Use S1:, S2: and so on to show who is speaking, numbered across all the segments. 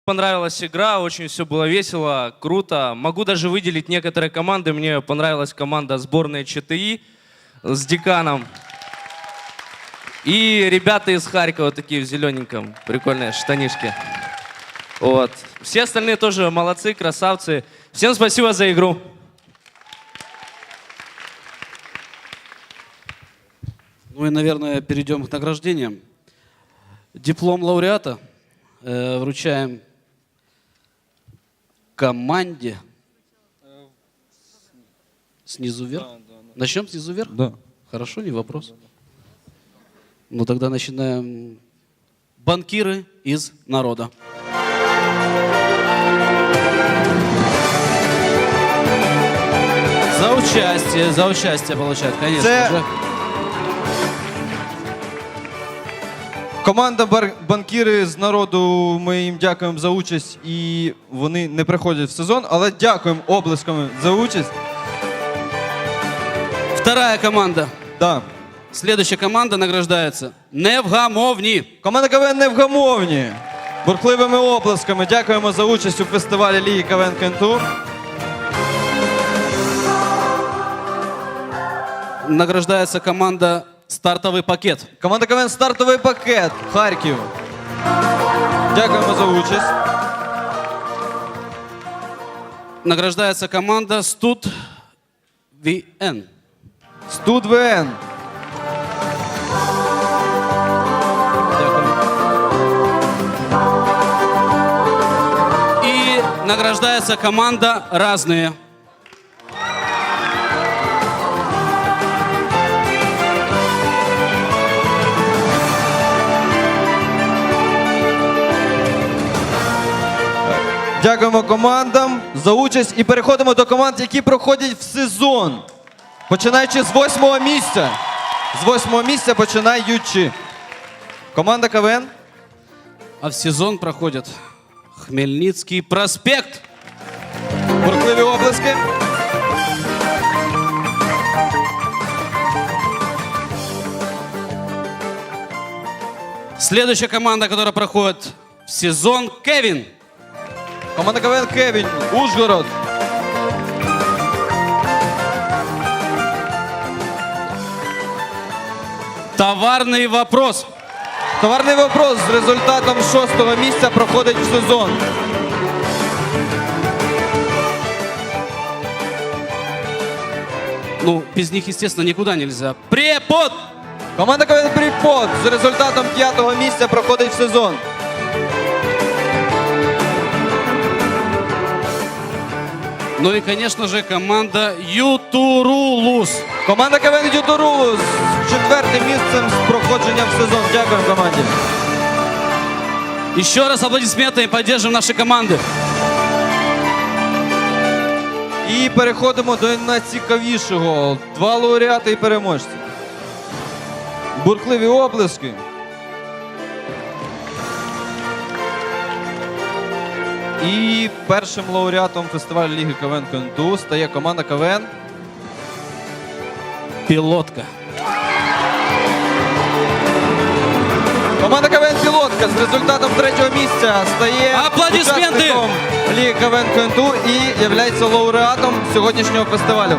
S1: Понравилась игра, очень все было весело, круто. Могу даже выделить некоторые команды. Мне понравилась команда сборной ЧТИ с Деканом. И ребята из Харькова такие в зелененьком, прикольные штанишки. Вот. Все остальные тоже молодцы, красавцы. Всем спасибо за игру.
S2: Ну и, наверное, перейдем к награждениям. Диплом лауреата вручаем команде. Снизу вверх? Начнем снизу вверх?
S3: Да.
S2: Хорошо, не вопрос. Ну тогда начинаем. Банкиры из народа. За участие получают, конечно же.
S3: Команда банкіри з народу, ми їм дякуємо за участь, і вони не приходять в сезон, але дякуємо облисками за участь.
S2: Вторая команда.
S3: Да.
S2: Следующая команда награждается Невгамовні.
S3: Команда КВН «Невгамовні». Бурхливими оплесками дякуємо за участь у фестивалі Ліги КВН КНТУ.
S2: Награждается команда «Стартовый пакет».
S3: Команда КВН «Стартовий пакет» Харків. Дякуємо за участь.
S2: Награждается команда «Студ ВН».
S3: Студ ВН.
S2: И награждается команда «Разные».
S3: Дякуємо командам за участь і переходимо до команд, які проходять в сезон. Починаючи з 8-го місця. З 8-го місця починаючи. Команда КВН.
S2: А в сезон проходит Хмельницкий проспект.
S3: Бурхливі оплески.
S2: Следующая команда, которая проходит в сезон, Кевин.
S3: Команда КВН Кевін. Ужгород.
S2: Товарный вопрос.
S3: Товарний вопрос з результатом 6-го місця проходить в сезон.
S2: Ну, без них, естественно, никуда нельзя. Препод.
S3: Команда КВН Припод з результатом 5-го місця проходить в сезон.
S2: Ну и, конечно же, команда Ютурулус.
S3: Команда КВН Ютурулу з 4-тим місцем з проходженням в сезон. Дякуємо команді.
S2: Еще раз аплодисменты и поддержим наши команды.
S3: І переходимо до найцікавішого. 2 лауреати і переможці. Бурхливі оплески. І першим лауреатом фестивалю Ліги КВН КНТУ стає команда КВН
S2: Пилотка.
S3: Команда КВН Пілотка з результатом 3-го місця стає
S2: Аплодисменти!
S3: учасником Ліги КВН КНТУ і є лауреатом сьогоднішнього фестивалю.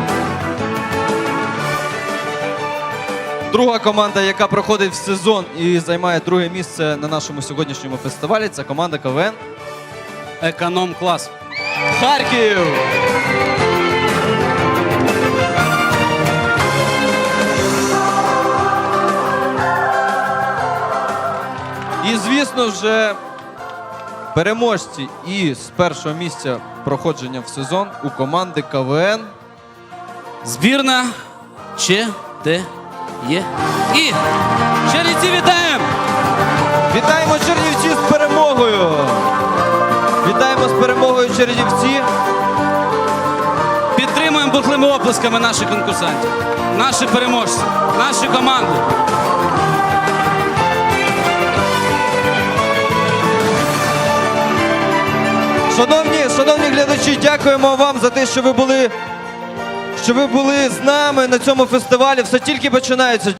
S3: Друга команда, яка проходить в сезон і займає 2-е місце на нашому сьогоднішньому фестивалі, це команда КВН
S2: Економ-клас.
S3: Харків. І, звісно ж, переможці і з 1-го місця проходження в сезон у команди КВН
S2: Збірна ЧТЄ. І Чернівці вітаємо!
S3: Вітаємо Чернівці з перемогою! Вітаємо з перемогою Чернівці!
S2: Підтримуємо бурхливими оплесками наших конкурсантів, наші переможці, наші команди.
S3: Шановні глядачі, дякуємо вам за те, що ви були з нами на цьому фестивалі. Все тільки починається.